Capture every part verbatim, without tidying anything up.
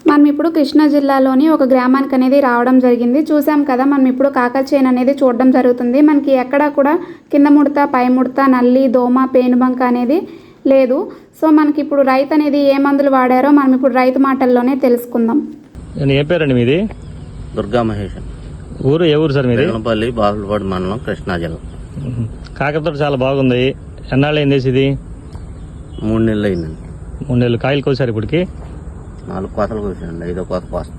మనం ఇప్పుడు కృష్ణా జిల్లాలోని ఒక గ్రామానికి అనేది రావడం జరిగింది. చూసాం కదా, మనం ఇప్పుడు కాకర చేను అనేది చూడడం జరుగుతుంది. మనకి ఎక్కడా కూడా కింద ముడత, పై ముడత, నల్లి, దోమ, పేనుబంక అనేది లేదు. సో మనకి ఇప్పుడు రైతు అనేది ఏ మందులు వాడారో మనం ఇప్పుడు రైతు మాటల్లోనే తెలుసుకుందాం. ఏ పేరండి మీది? దుర్గా మహేష్. ఊరు ఏ ఊరు సార్ మీది? బెల్లంపల్లి, బాపులపాడు మండలం, కృష్ణా జిల్లా. కాకరతోట చాలా బాగుంది. ఎన్నాళ్ళు అయింది ఇది? మూడు నెలలు అయిందండి. మూడు నెలలు కాయలు కోసారు ఇప్పటికి? నాలుగు కోతలు కోసానండి, ఐదో కోత కోస్తాను.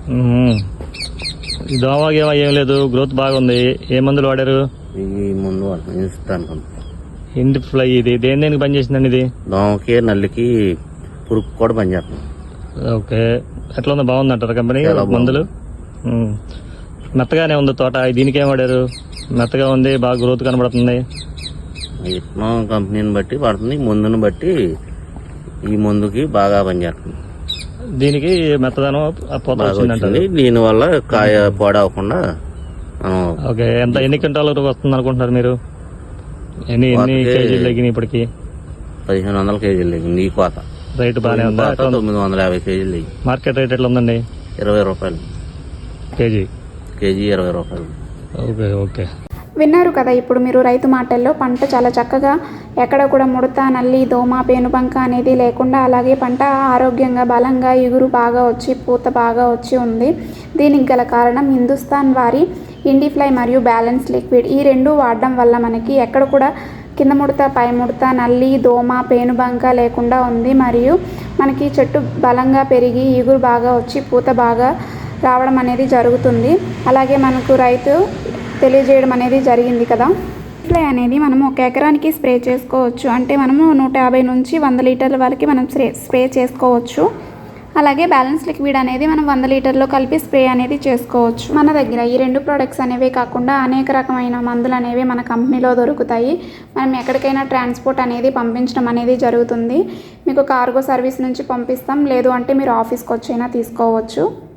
దోమ గేమ ఏం లేదు, గ్రోత్ బాగుంది. ఏ మందులు వాడారు? ఈ ముందు ఇస్తాను. ఇండి ఫ్లై ఇది దేని దేనికి పని చేసిందండి ఇది? దోమకి, నల్లికి, పురుగు కూడా పనిచేస్తుంది. ఓకే, ఎట్లా ఉంది? బాగుంది అంటారు కంపెనీ మందులు? మెత్తగానే ఉంది తోట. దీనికి ఏం వాడారు? మెత్తగా ఉంది, బాగా గ్రోత్ కనబడుతుంది. విత్తనం కంపెనీని బట్టి పడుతుంది, మందుని బట్టి ఈ మందుకి బాగా పనిచేస్తుంది. దీనికి మెత్తదనం వచ్చిందంటే దీని వల్ల కాయ పాడవకుండా. ఓకే, ఎంత ఎన్ని క్వింటాల వరకు వస్తుంది అనుకుంటున్నారు మీరు? ఎన్ని ఎన్ని కేజీలు తగ్గినాయి ఇప్పటికి? పదిహేను వందల కేజీలు తగ్గింది ఈ కోత. రేటు బాగానే ఉందా? తొమ్మిది వందల యాభై కేజీలు తగ్గింది. మార్కెట్ రేట్ ఎట్లా ఉందండి? ఇరవై రూపాయలు కేజీ. కేజీ ఇరవై రూపాయలు. ఓకే ఓకే విన్నారు కదా ఇప్పుడు మీరు రైతు మాటల్లో. పంట చాలా చక్కగా, ఎక్కడ కూడా ముడత, నల్లి, దోమ, పేనుబంక అనేది లేకుండా, అలాగే పంట ఆరోగ్యంగా, బలంగా, ఇగురు బాగా వచ్చి, పూత బాగా వచ్చి ఉంది. దీనికి గల కారణం హిందుస్థాన్ వారి ఇండిఫ్లై మరియు బ్యాలెన్స్ లిక్విడ్. ఈ రెండు వాడడం వల్ల మనకి ఎక్కడ కూడా కింద ముడత, పై ముడత, నల్లి, దోమ, పేనుబంక లేకుండా ఉంది. మరియు మనకి చెట్టు బలంగా పెరిగి, ఇగురు బాగా వచ్చి, పూత బాగా రావడం అనేది జరుగుతుంది. అలాగే మనకు రైతు తెలియజేయడం అనేది జరిగింది కదా. స్ప్రే అనేది మనము ఒక ఎకరానికి స్ప్రే చేసుకోవచ్చు. అంటే మనము నూట యాభై నుంచి వంద లీటర్ల వరకు మనం స్ప్రే స్ప్రే చేసుకోవచ్చు. అలాగే బ్యాలెన్స్ లిక్విడ్ అనేది మనం వంద లీటర్లో కలిపి స్ప్రే అనేది చేసుకోవచ్చు. మన దగ్గర ఈ రెండు ప్రోడక్ట్స్ అనేవే కాకుండా అనేక రకమైన మందులు అనేవి మన కంపెనీలో దొరుకుతాయి. మనం ఎక్కడికైనా ట్రాన్స్పోర్ట్ అనేది పంపించడం అనేది జరుగుతుంది. మీకు కార్గో సర్వీస్ నుంచి పంపిస్తాం, లేదు అంటే మీరు ఆఫీస్కి వచ్చైనా తీసుకోవచ్చు.